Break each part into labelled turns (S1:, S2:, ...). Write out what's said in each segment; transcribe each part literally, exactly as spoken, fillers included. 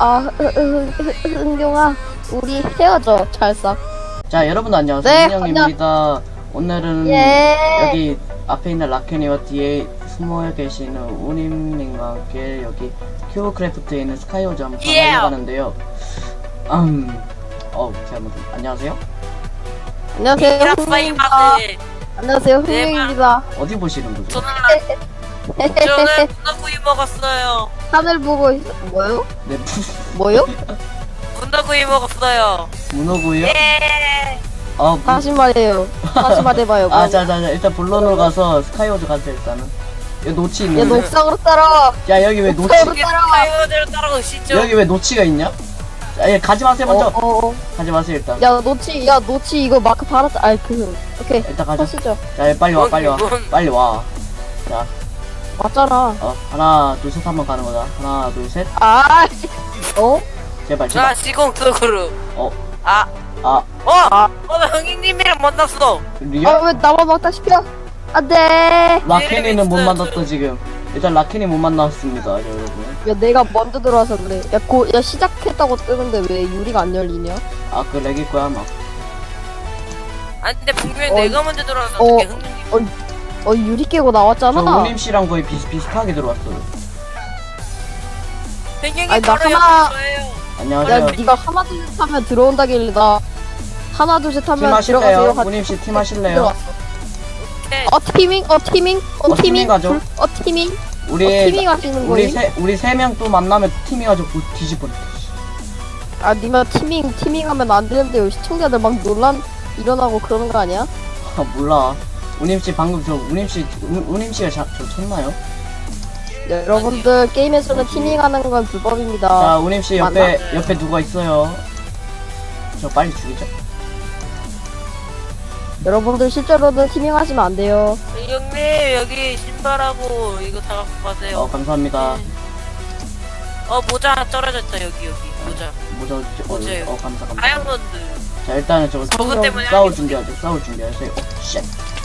S1: 아, 흥룡아, 우리 헤어져, 찰싹.
S2: 자, 여러분들 안녕하세요.
S1: 네,
S2: 흥룡입니다. 오늘은
S1: 예.
S2: 여기 앞에 있는 라켄이와 뒤에 숨어 계시는 우님님과 함께 여기 큐브크래프트에 있는 스카이오즈 한번
S3: 예.
S2: 하러 가는데요. 음, 어, 잘못. 안녕하세요.
S1: 안녕하세요, 흥룡입니다.
S3: 파이마들.
S1: 안녕하세요,
S3: 네,
S1: 흥룡입니다.
S2: 어디 보시는 거죠?
S3: 저는 저는 분노구이 먹었어요.
S1: 하늘 보고 있어. 뭐요?
S2: 네,
S1: 뭐요?
S3: 분노구이 먹었어요.
S2: 문어구이요?
S3: 예.
S2: 어, 문...
S1: 다시 말해요. 다시 말해봐요.
S2: 아, 자, 자, 자, 일단 본론으로 가서 스카이오즈 가자, 일단은. 여기 노치
S1: 야,
S2: 있는데.
S1: 녹상으로 따라.
S2: 야, 여기 왜 노치,
S1: 녹상으로 따라와.
S3: 타이어들 따라오시죠.
S2: 여기 왜 노치가 있냐? 자, 예, 가지 마세요, 먼저.
S1: 어, 어, 어.
S2: 가지 마세요, 일단.
S1: 야, 노치, 야, 노치 이거 마크 받았다. 아이, 그, 오케이.
S2: 일단 가자.
S1: 하시죠.
S2: 자, 예, 빨리 와, 빨리 와.
S3: 뭔-
S2: 빨리 와. 자,
S1: 맞잖아.
S2: 어, 하나, 둘, 셋 한번 가는 거다. 하나, 둘, 셋.
S1: 아, 어?
S2: 제발,
S3: 자,
S2: 제발.
S3: 시공 속으로.
S2: 어,
S3: 아,
S2: 아,
S3: 어,
S1: 아.
S3: 어, 나 형님이랑 만났어.
S2: 리얼?
S1: 아, 왜 나만 막다 싶혀? 안 돼.
S2: 라켄이는 못
S3: 있어요,
S2: 만났다, 지금. 일단 라켄이 못 만났습니다, 여러분.
S1: 야, 내가 먼저 들어와서 그래. 야, 고, 야, 시작했다고 뜨는데 왜 유리가 안 열리냐?
S2: 아, 그 렉일 거야, 아마.
S3: 아니, 근데 분명히
S1: 어,
S3: 내가 먼저 들어와서
S1: 어,
S3: 어떻게 형님.
S1: 어, 유리 깨고
S2: 저
S1: 나왔잖아.
S2: 우님씨랑 거의 비슷비슷하게 들어왔어요.
S3: 형님이
S1: 아니, 나
S3: 바로
S1: 하나-
S3: 옆에 저예요.
S2: 안녕하세요.
S1: 야, 네가 하나 둘 셋 하면 들어온다길래 나 하나 둘 셋
S2: 팀
S1: 하면
S2: 하실래요?
S1: 들어가세요. 하-
S2: 우님씨 팀 하실래요?
S1: 들어왔어.
S3: 오케이.
S1: 어 티밍, 어 티밍, 어
S2: 어, 티밍
S1: 티밍,
S2: 가죠.
S1: 불- 어 티밍, 어
S2: 우리,
S1: 티밍 하시는
S2: 우리
S1: 거임?
S2: 세, 우리 세 명 또 만나면 팀이가지고 뒤집어.
S1: 아, 니가 티밍, 티밍 하면 안 되는데 시청자들 막 논란 일어나고 그러는 거 아니야?
S2: 아, 몰라. 우님씨 방금 저, 우님씨, 우- 우님씨가 자, 저 쳤나요?
S1: 여러분들 게임에서는 티밍 하는 건 불법입니다.
S2: 자, 우님씨 옆에,
S3: 맞나?
S2: 옆에 누가 있어요? 저 빨리 죽이죠.
S1: 여러분들 실제로는 티밍 하시면 안 돼요.
S3: 형님, 여기 신발하고 이거 다 갖고 가세요.
S2: 어, 감사합니다.
S3: 어, 모자 하나 떨어졌다, 여기, 여기. 모자.
S2: 모자, 어,
S3: 모자요.
S2: 어, 감사, 감사.
S3: 다이아몬드.
S2: 자, 일단은 저거
S3: 저거 때문에
S2: 싸울
S3: 하기
S2: 준비하죠. 싸울 준비하세요. 어, 쉣.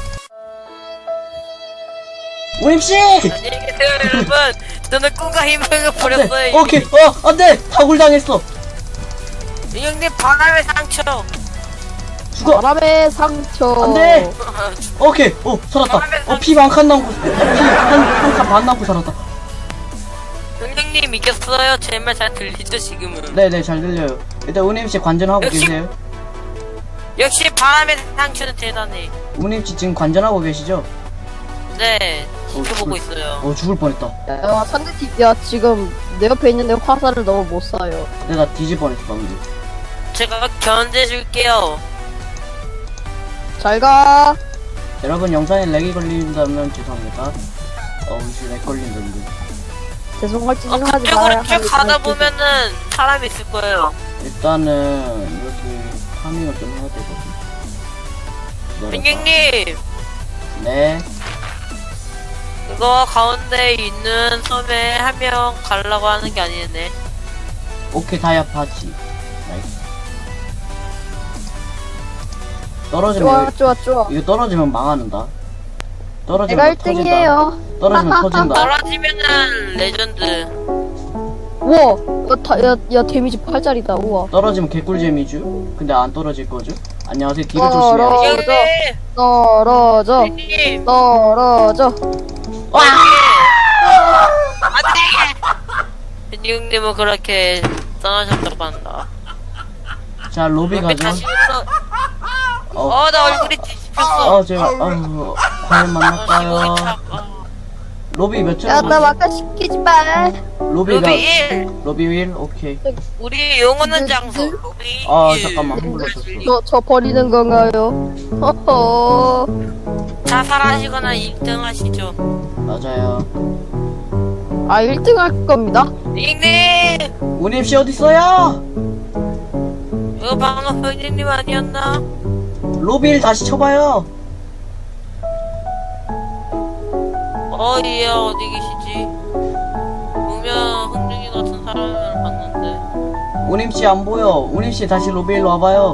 S2: 우님씨!
S3: 안녕히 계세요, 여러분. 저는 꿈과 희망을 버렸어요. 이미.
S2: 오케이, 어, 안 돼! 다굴 당했어!
S3: 형님, 바람의 상처.
S2: 죽어!
S1: 바람의 상처.
S2: 안 돼! 오케이, 어, 살았다. 어, 피 한 칸 남고, 피 한, 한 칸 반 남고 살았다.
S3: 형님 이겼어요. 제 말 잘 들리죠, 지금은?
S2: 네네, 잘 들려요. 일단 우님씨 관전하고
S3: 역시-
S2: 계세요.
S3: 역시 바람의 상처는 대단해.
S2: 우님씨 지금 관전하고 계시죠?
S3: 네, 지켜보고
S2: 어,
S3: 있어요.
S2: 어, 죽을 뻔했다.
S1: 야, 상대팀, 야, 지금 내 옆에 있는데 화살을 너무 못 쏴요.
S2: 근데 나 뒤질 뻔했어, 방금.
S3: 제가 견제해줄게요.
S1: 잘 가.
S2: 여러분, 영상에 렉이 걸린다면 죄송합니다. 어, 우씨 렉 걸린다는데.
S1: 죄송할 짓
S3: 어,
S1: 좀 하지 마요.
S3: 그쪽으로 쭉 가다 보면은 사람이 있을 거예요.
S2: 일단은, 이렇게 파밍을 좀 해야 되거든. 기다려봐.
S3: 형님,
S2: 네.
S3: 이거 가운데 있는 섬에 한 명 가려고 하는 게 아니네.
S2: 오케이, 다이아 파지. 나이스. 떨어지면,
S1: 좋아,
S2: 이거-
S1: 좋아, 좋아.
S2: 이거 떨어지면 망하는다. 떨어지면
S1: 내가
S2: 터진다.
S1: 일 등이에요.
S2: 떨어지면 터진다.
S3: 떨어지면은 레전드.
S1: 우와, 야, 다, 야, 야, 데미지 팔 짜리다, 우와.
S2: 떨어지면 개꿀잼이죠? 근데 안 떨어질 거죠? 안녕하세요, 뒤를
S1: 떨어-
S2: 조심해요.
S1: 떨어져.
S3: 형님,
S1: 떨어져,
S3: 형님,
S1: 떨어져.
S2: 와!
S3: 안돼. 형님은 그렇게 떠나셨다고 한다.
S2: 자, 로비
S3: 옆에
S2: 가죠.
S3: 다시 있어.
S2: 어,
S3: 어, 나 얼굴이 뒤집혔어.
S2: 어, 제가, 어, 과연 만날까요? 로비 몇
S1: 야, 나
S2: 점?
S1: 막가 시키지 마.
S2: 로비가,
S3: 로비 일.
S2: 로비 일? 오케이.
S3: 우리 영원한 장소. 로비
S2: 아,
S3: 일.
S2: 잠깐만, 한 번 더
S1: 저, 저 버리는 건가요? 허허.
S3: 자살하시거나 일 등 하시죠.
S2: 맞아요.
S1: 아, 일 등 할 겁니다.
S3: 닉님!
S2: 우님씨 어딨어요?
S3: 이거 방금 형님 아니었나?
S2: 로비 일 다시 쳐봐요.
S3: 어이야 어디 계시지? 분명 흥중이 같은 사람을 봤는데.
S2: 우님씨 안 보여. 우님씨 다시 로비 일로 와봐요.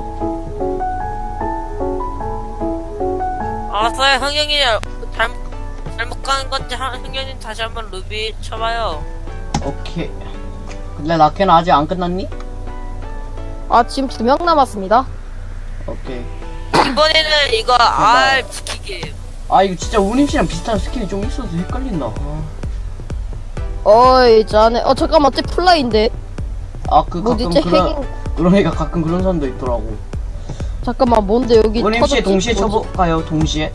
S3: 알았어요. 흥영이 잘못 잘못 가는 건지 흥영이 다시 한번 루비 쳐봐요.
S2: 오케이. 근데 라켄 아직 안 끝났니?
S1: 아 지금 두 명 남았습니다.
S2: 오케이.
S3: 이번에는 이거 알 지키기.
S2: 아 이거 진짜 우님씨랑 비슷한 스킨이 좀 있어서 헷갈린다. 아,
S1: 어이 자네 어 잠깐만 쟤 플라이인데
S2: 아, 그
S1: 뭐지
S2: 가끔
S1: 쟤
S2: 그런
S1: 핵인
S2: 그러니까 가끔 그런 사람도 있더라고.
S1: 잠깐만 뭔데 여기
S2: 우님씨
S1: 터졌지?
S2: 동시에
S1: 뭐지?
S2: 쳐볼까요? 동시에?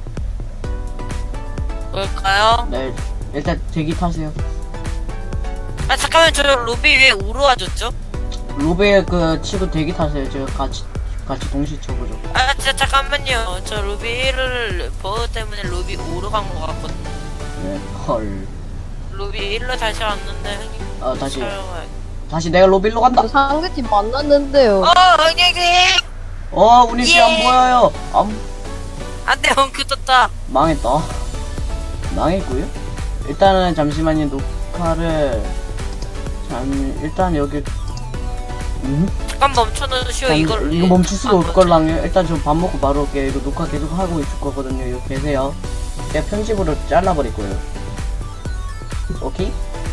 S3: 뭘까요?
S2: 네. 일단 대기 타세요.
S3: 아 잠깐만 저 로비 왜 우로 와줬죠?
S2: 로베 그 치고 대기 타세요. 제가 같이 같이 동시에 쳐보죠.
S3: 아 진짜 잠깐만요. 저 로비 일을 버그 때문에 로비 오로 간 것 같거든요.
S2: 네. 헐.
S3: 로비 일로 다시 왔는데 형님.
S2: 아 다시
S3: 촬영을.
S2: 다시 내가 로비로 간다.
S1: 저 상대팀 만났는데요.
S3: 어 형님.
S2: 어 우님씨
S3: 예.
S2: 안 보여요. 안
S3: 안돼 엉크 떴다.
S2: 망했다. 망했고요. 일단은 잠시만요. 녹화를 잠 일단 여기 음?
S3: 잠깐 멈춰놓으시오.
S2: 잠-
S3: 이걸
S2: 이거 멈출 수가 없걸랑요. 일단 저 밥 먹고 바로 올게요. 이거 녹화 계속 하고 있을 거거든요. 여기 계세요. 제가 편집으로 잘라버릴 거예요. 오케이?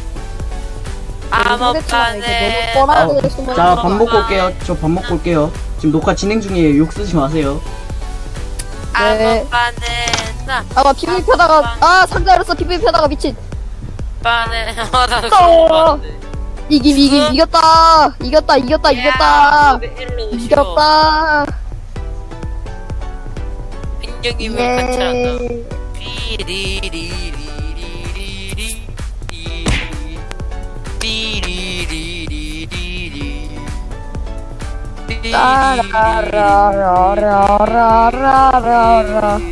S3: 아무
S1: 상대팀한테
S3: 판에
S1: 너무 뻔하게
S2: 아,
S1: 숨어
S2: 자, 밥 먹고 올게요. 저 밥 먹고 올게요. 지금 녹화 진행 중이에요. 욕 쓰지 마세요.
S1: 네.
S3: 아무 판에 나
S1: 아마 피부이 펴다가 아 상자 열었어 피부이 펴다가 미친
S3: 판에 아나
S1: 어.
S3: 그런 거 같은데.
S1: 이김 이김 이겼다 이겼다 이겼다 이겼다 이겼다
S3: 빈정님을
S1: 예.
S3: 같이 한다. 삐리리리리리리리 삐리리리리리
S1: 따라라라라라라라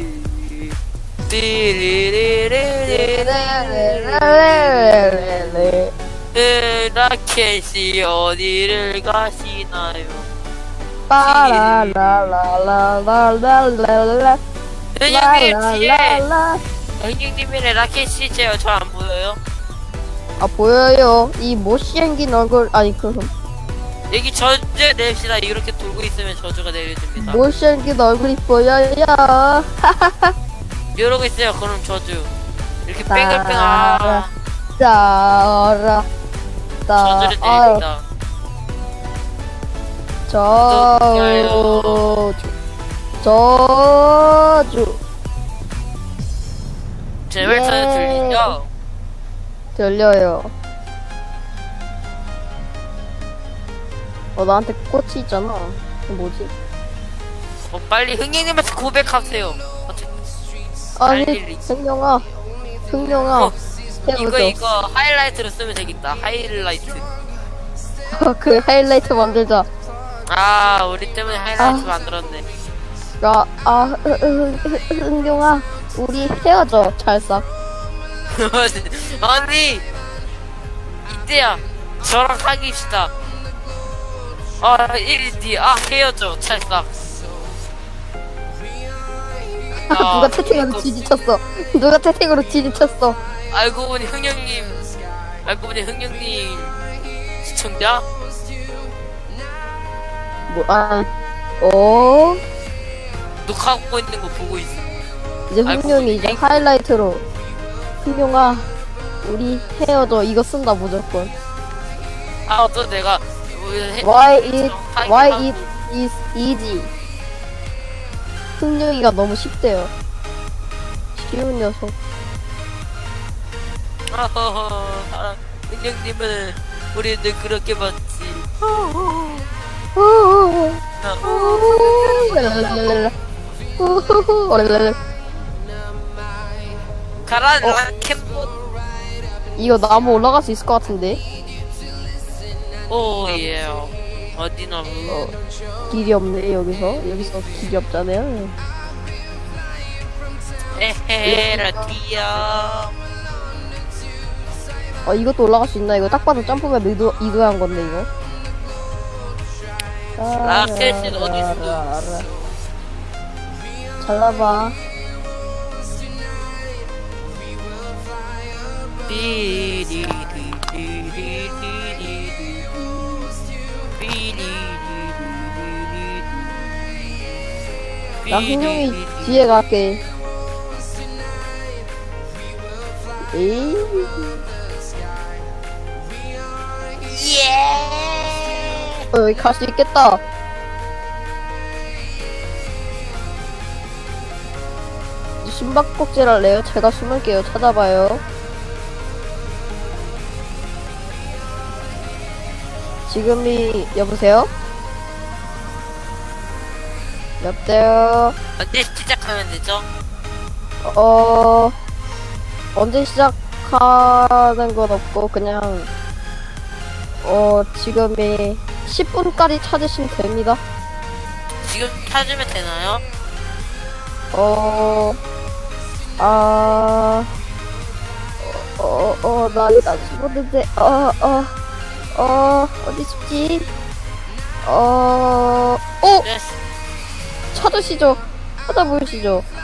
S3: 삐리리리리리리 라켓이 어디를 가시나요?
S1: 빠라라라라라라라
S3: 형님 뒤에
S1: 라라라라
S3: 형님이랑 라켓이 제요. 저 안 보여요?
S1: 아 보여요 이 못생긴 얼굴 아니 그
S3: 여기 저주 냅시다. 이렇게 돌고 있으면 저주가 내려집니다.
S1: 못생긴 얼굴이 보여요
S3: 이러고 있어요. 그럼 저주. 이렇게
S1: 따라.
S3: 뺑글뺑 아
S1: 따라
S3: 저주를
S1: 따라
S3: 내립니다.
S1: 저주 저주
S3: 제 말투는
S1: 예.
S3: 들리죠?
S1: 들려요 어 나한테 꽃이 있잖아 이거 뭐지?
S3: 어, 빨리 흥행님한테 고백하세요. 어떻게
S1: 아니
S3: 빨리.
S1: 흥룡아 흥룡아
S3: 어, 이거
S1: 해보죠
S3: 이거 하이라이트로 쓰면 되겠다. 하이라이트.
S1: 그 하이라이트 만들자
S3: 아 우리 때문에 하이라이트
S1: 아.
S3: 만들었네.
S1: 아, 아, 흥- 흥- 흥- 흥룡아, 우리 헤어져, 찰싹.
S3: 아니 이때야 저랑 사귀시다. 아 일 일 뒤 아 헤어져 찰싹. 아,
S1: 누가 채팅으로
S3: 이거-
S1: 지지쳤어. 누가 채팅으로 지지쳤어.
S3: 알고 보니 흥영님 알고 보니 흥영님 시청자?
S1: 뭐, 아, 어?
S3: 녹화하고 있는 거 보고 있어.
S1: 이제
S3: 아이고,
S1: 흥룡이 이제
S3: 에이.
S1: 하이라이트로. 흥룡아, 우리 헤어져. 이거 쓴다, 무조건.
S3: 아 어떤 내가 뭐 해-
S1: Why it,
S3: 하이라이트
S1: why
S3: 하고.
S1: it is easy. 흥룡이가 너무 쉽대요. 쉬운 녀석.
S3: 아허허 아, 흥영님은 우리들 그렇게 봤지. 아,
S1: 랄랄랄랄라. 랄랄랄라.
S3: 가라
S1: 어?
S3: 라켓봇.
S1: 이거 나무 올라갈 수 있을 것 같은데?
S3: 오예 어디 나무.
S1: 어, 길이 없네, 여기서. 여기서 길이 없잖아요.
S3: 에헤헤 라티야.
S1: 어, 이것도 올라갈 수 있나? 이거 딱 봐도 점프맵 이도, 이도한 건데, 이거.
S3: 라켓은 어디 있어?
S1: 잘라봐. 나 흥룡이 뒤에 갈게. 에이. 어, 여기 갈 수 있겠다. 숨바꼭질 할래요? 제가 숨을게요. 찾아봐요. 지금이, 여보세요? 여보세요?
S3: 언제 시작하면 되죠?
S1: 어, 언제 시작하는 건 없고, 그냥, 어, 지금이 십 분까지 찾으시면 됩니다.
S3: 지금 찾으면 되나요?
S1: 어, 아, 어, 어, 나, 나 죽었는데, 어, 어, 어, 어디 죽지? 어, 어,
S3: 네.
S1: 찾으시죠. 찾아보시죠.